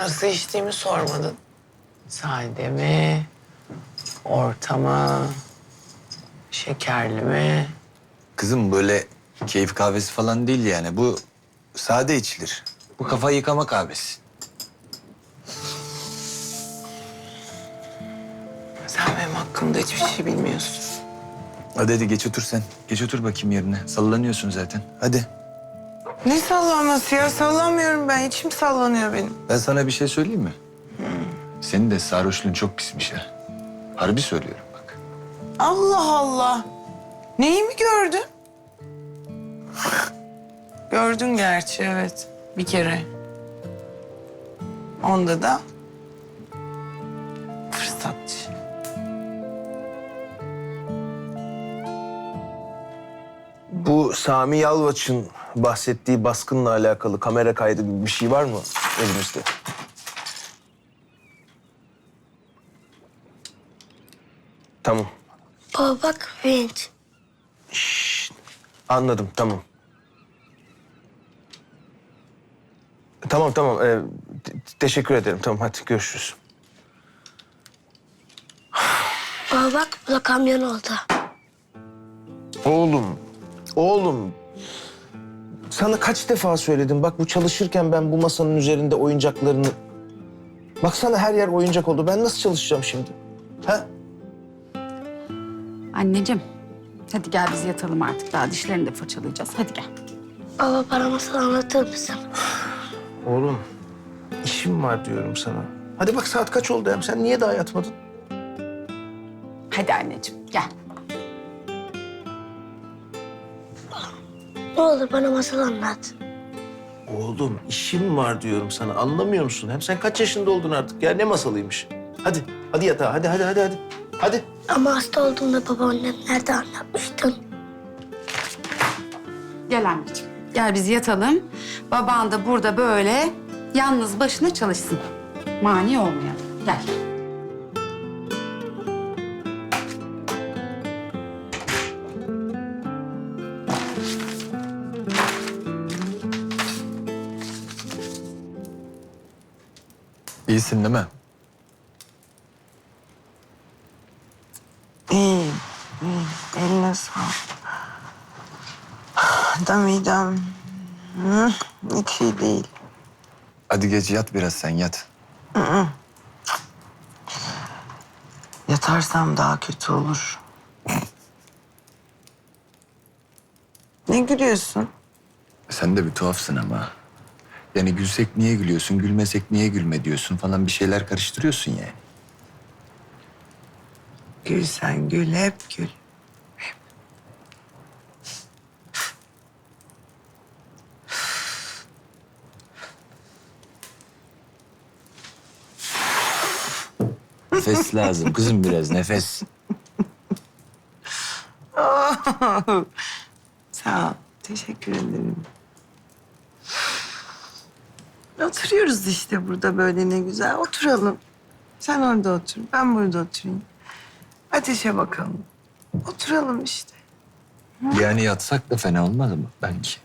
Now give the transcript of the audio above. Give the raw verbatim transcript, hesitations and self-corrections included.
Nasıl içtiğimi sormadın. Sade mi? Orta mı? Şekerli mi? Kızım böyle keyif kahvesi falan değil yani. Bu sade içilir. Bu kafa yıkama kahvesi. Sen benim hakkımda hiçbir şey bilmiyorsun. Hadi hadi geç otur sen. Geç otur bakayım yerine. Sallanıyorsun zaten. Hadi. Ne sallanması ya? Sallamıyorum ben. İçim sallanıyor benim. Ben sana bir şey söyleyeyim mi? Senin de sarhoşluğun çok pismiş ha. Harbi söylüyorum bak. Allah Allah. Neyi mi gördün? Gördün gerçi, evet. Bir kere. Onda da fırsatçı. Bu Sami Yalvaç'ın bahsettiği baskınla alakalı kamera kaydı gibi bir şey var mı elimizde? Tamam. Baba bak vinç. Anladım, tamam. Tamam, tamam. Ee, te- teşekkür ederim. Tamam, hadi görüşürüz. Baba bak bu da kamyon oldu. Oğlum, oğlum. Sana kaç defa söyledim. Bak bu çalışırken ben bu masanın üzerinde oyuncaklarını... Baksana her yer oyuncak oldu. Ben nasıl çalışacağım şimdi? Ha? Anneciğim, hadi gel biz yatalım artık. Daha dişlerini de fırçalayacağız. Hadi gel. Baba bana masal anlatır mısın? Oğlum, işim var diyorum sana. Hadi bak saat kaç oldu hem? Sen niye daha yatmadın? Hadi anneciğim, gel. Ne olur bana masal anlat. Oğlum, işim var diyorum sana. Anlamıyor musun? Hem sen kaç yaşında oldun artık ya? Ne masalıymış? Hadi, hadi yatağa. Hadi, hadi, hadi, hadi. Hadi. Ama hasta olduğumda babaannem nerede anlatmıştın? Gel anneciğim. Gel biz yatalım. Baban da burada böyle yalnız başına çalışsın. Mani olmayalım. Gel. İyisin değil mi? İyi, iyi. Eline sağlık. Da midem hı, hiç iyi değil. Hadi geç yat biraz sen yat. Yatarsam daha kötü olur. Ne gülüyorsun? Sen de bir tuhafsın ama. Yani gülsek niye gülüyorsun, gülmesek niye gülme diyorsun falan bir şeyler karıştırıyorsun yani. Gül sen gül, hep gül. Nefes lazım kızım biraz nefes. Sağ ol, teşekkür ederim. Oturuyoruz işte burada böyle ne güzel. Oturalım. Sen orada otur, ben burada oturayım. Ateşe bakalım. Oturalım işte. Yani yatsak da fena olmaz mı belki?